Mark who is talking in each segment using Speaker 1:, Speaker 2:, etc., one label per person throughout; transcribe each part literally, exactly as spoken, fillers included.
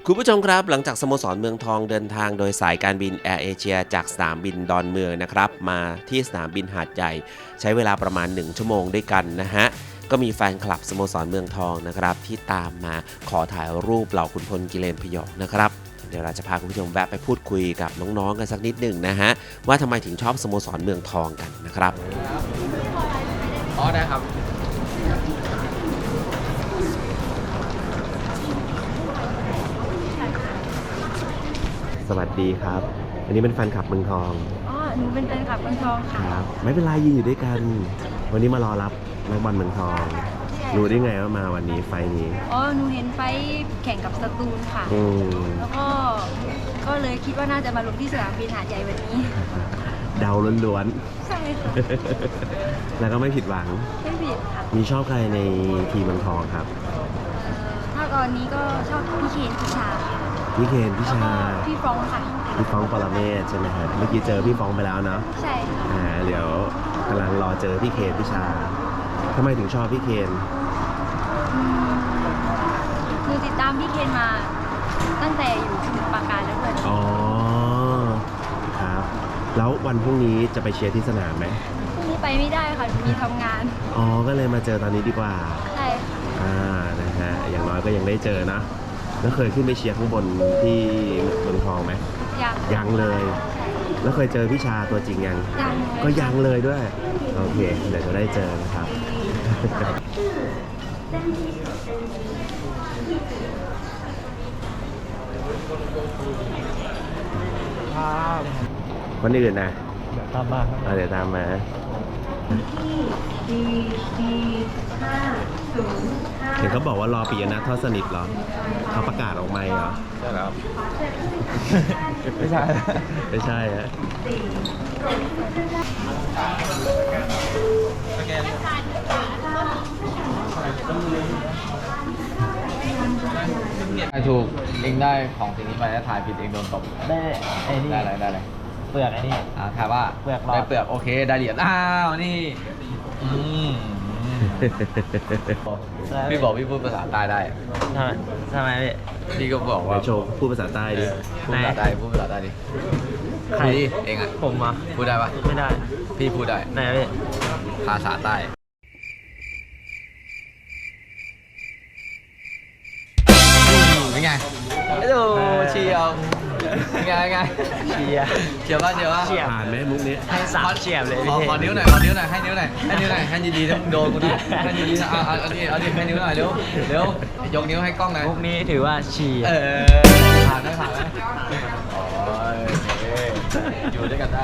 Speaker 1: คุณผู้ชมครับหลังจากสโมสรเมืองทองเดินทางโดยสายการบินแอร์เอเชียจากสนามบินดอนเมืองนะครับมาที่สนามบินหาดใหญ่ใช้เวลาประมาณหนึ่งชั่วโมงด้วยกันนะฮะก็มีแฟนคลับสโมสรเมืองทองนะครับที่ตามมาขอถ่ายรูปเหล่าขุนพลกิเลนพยองนะครับเดี๋ยวเราจะพาคุณผู้ชมแวะไปพูดคุยกับน้องๆกันสักนิดหนึ่งนะฮะว่าทำไมถึงชอบสโมสรเมืองทองกันนะครับ
Speaker 2: อ๋อได้ครับ
Speaker 1: สวัสดีครับอันนี้เป็นแฟนคลับเมืองทอง
Speaker 3: อ๋อหนูเป็นแฟนคลับเมืองทองค่ะ
Speaker 1: ครับไม่เป็นไรยืนอยู่ด้วยกันวันนี้มารอรับนักบอลเมืองทองรู้ได้ไงว่ามาวันนี้ไฟนี้
Speaker 3: อ๋อหนูเห็นไฟแข่งกับสตูลค่ะแล้วก็ก็เลยคิดว่าน่าจะมาลงที่สนามบินหาดใหญ่วันนี้
Speaker 1: เดาล้วน
Speaker 3: ๆใช่ค่ะ
Speaker 1: แล้วก็ไม่ผิดหวัง
Speaker 3: ไม่ผิดค่ะ
Speaker 1: มีชอบใครในทีมเมืองทองครับ
Speaker 3: ถ้าตอนนี้ก็ชอบพี่เคนพี่ชา
Speaker 1: พี่เคนพี่ชา
Speaker 3: พี่ฟองค่ะ
Speaker 1: พี่ฟองปรเมศใช่ไหมครับเมื่อกี้เจอพี่ฟองไปแล้วเนาะ
Speaker 3: ใช่ค่ะ
Speaker 1: อ่าเดี๋ยวกำลังรอเจอพี่เคนพี่ชาทำไมถึงชอบพี่เคน
Speaker 3: หนูติดตามพี่เคนมาตั้งแต่อยู่สมุทรปราการแล้วด้วย
Speaker 1: อ๋อครับแล้ววันพรุ่งนี้จะไปเชียร์ที่สนามไหม
Speaker 3: พรุ่งนี้ไปไม่ได้ค่ะมีทำงาน
Speaker 1: อ๋อก็เลยมาเจอตอนนี้ดีกว่า
Speaker 3: ใช่ค่ะ
Speaker 1: อ่านะฮะอย่างน้อยก็ยังได้เจอนะแล้วเคยขึ้นไปเชียร์ข้างบนที่เมืองทองไหม
Speaker 3: ยัง
Speaker 1: ยังเลยแล้วเคยเจอพี่ชาตัวจริงยัง
Speaker 3: ยัง
Speaker 1: ก็ยังเลยด้วยโอเคเดี๋ยวจะได้เจอนะครับคนอื่นนะ
Speaker 2: เดี๋ยวตามมาครับ
Speaker 1: เดี๋ยวตามมาเห็นเขาบอกว่ารอปิยนัททอดสนิทเหรอเขาประกาศออกมาเหรอ
Speaker 2: ใช่แล้วไม่ใช่
Speaker 1: ไม่ใช่ฮะ
Speaker 2: ถ่ายถูกเองได้ของสิ่งนี้ไปแล้วถ่ายผิดเองโดนตบ
Speaker 4: ได้ไอ้นี่
Speaker 2: ได้อะไรได้อะไร
Speaker 4: เปลือกไอ้นี่
Speaker 2: อ่าถ่ายว่า
Speaker 4: เปลือก
Speaker 2: ได้เปลือกโอเคได้เหรียญอ้าวนี่พี่บอกพี่พูดภาษาใต้ได้
Speaker 4: ทำไมทำไมพี่
Speaker 2: พี่ก็บอกว่า
Speaker 1: โชว์พูดภาษาใต้ดิ
Speaker 2: พูดภาษาใต้พูดภาษาใต้ดิใครเองอ่ะ
Speaker 4: ผมอ่ะ
Speaker 2: พูดได้ปะ
Speaker 4: ไม่ได้
Speaker 2: พี่พูดได้
Speaker 4: ไหนพี่
Speaker 2: ภาษาใต้เป็นไงไอ้ดูเชียวไงไง
Speaker 4: เชียร์
Speaker 2: เชียวป่ะเชียวป่ะ
Speaker 1: ผ่านไหมมุกนี้
Speaker 4: ให้สามเชียร์เลย
Speaker 2: ขอขอนิ้วหน่อยขอนิ้วหน่อยให้นิ้วหน่อยให้นิ้วหน่อยให้ดีๆต้องโดนกูนะให้ดีๆนะเอาเอาเอาดิเอาดิให้นิ้วหน่อยเร็วเร็วยกนิ้วให้กล้องหน่อย
Speaker 4: มุกนี้ถือว่าเชียร์
Speaker 2: เออผ่านได้ผ่านไหมโอ้ยอยู่ด้วยกันได้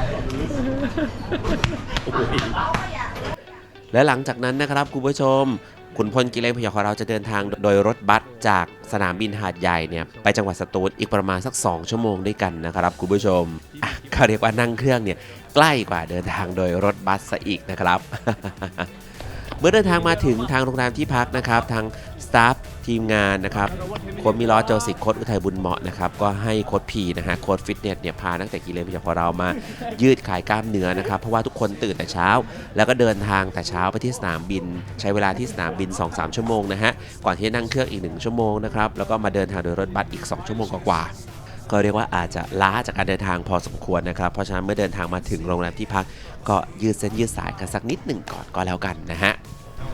Speaker 1: และหลังจากนั้นนะครับคุณผู้ชมขุนพลกิเลนพยองของเราจะเดินทางโดยรถบัสจากสนามบินหาดใหญ่เนี่ยไปจังหวัดสตูลอีกประมาณสักสองชั่วโมงด้วยกันนะครับคุณผู้ชมอ่ะเขาเรียกว่านั่งเครื่องเนี่ยใกล้กว่าเดินทางโดยรถบัสซะอีกนะครับ เมื่อเดินทางมาถึงทางโรงแรมที่พักนะครับทางสตาฟทีมงานนะครับโค้ชมิลอสโจสิกโค้ชอุทัยบุญเหมาะนะครับก็ให้โค้ชพีนะฮะโค้ชฟิตเนสเนี่ยพานักเตะกิเลนพยองของเรามายืดขายกล้ามเนื้อนะครับเพราะว่าทุกคนตื่นแต่เช้าแล้วก็เดินทางแต่เช้าไปที่สนามบินใช้เวลาที่สนามบิน สองถึงสาม ชั่วโมงนะฮะก่อนที่จะนั่งเครื่องอีกหนึ่งชั่วโมงนะครับแล้วก็มาเดินทางโดยรถบัสอีกสองชั่วโมงกว่าก็เรียกว่าอาจจะล้าจากการเดินทางพอสมควรนะครับเพราะฉะนั้นเมื่อเดินทางมาถึงโรงแรมที่พักก็ยืดเส้นยืดสายกันสักนิดหนึ่งก่อนก็แล้วกันนะฮะ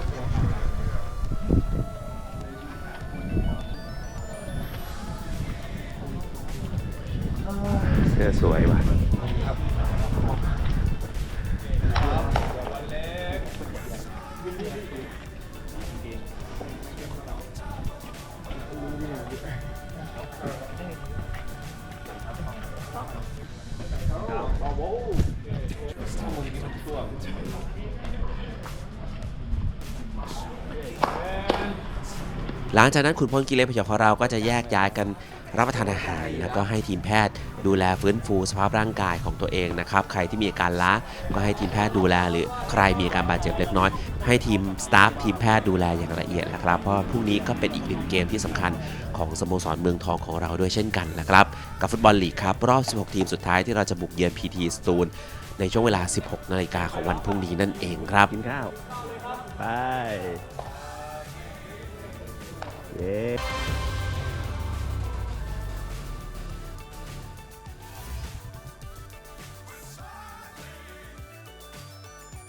Speaker 1: เสื้อสวยว่ะหลังจากนั้นขุนพลกิเลนพยองของเราก็จะแยกย้ายกันรับประทานอาหารแล้วก็ให้ทีมแพทย์ดูแลฟื้นฟูสภาพร่างกายของตัวเองนะครับใครที่มีอาการล้าก็ให้ทีมแพทย์ดูแลหรือใครมีอาการบาดเจ็บเล็กน้อยให้ทีมสตาฟทีมแพทย์ดูแลอย่างละเอียดนะครับเพราะพรุ่งนี้ก็เป็นอีกหนึ่งเกมที่สำคัญของสโมสรเมืองทองของเราด้วยเช่นกันนะครับกับฟุตบอลลีกครับรอบสิบหกทีมสุดท้ายที่เราจะบุกเยือน พี ที สตูลในช่วงเวลา สิบหกนาฬิกาของวันพรุ่งนี้นั่นเองครับกินข้าวไปเย้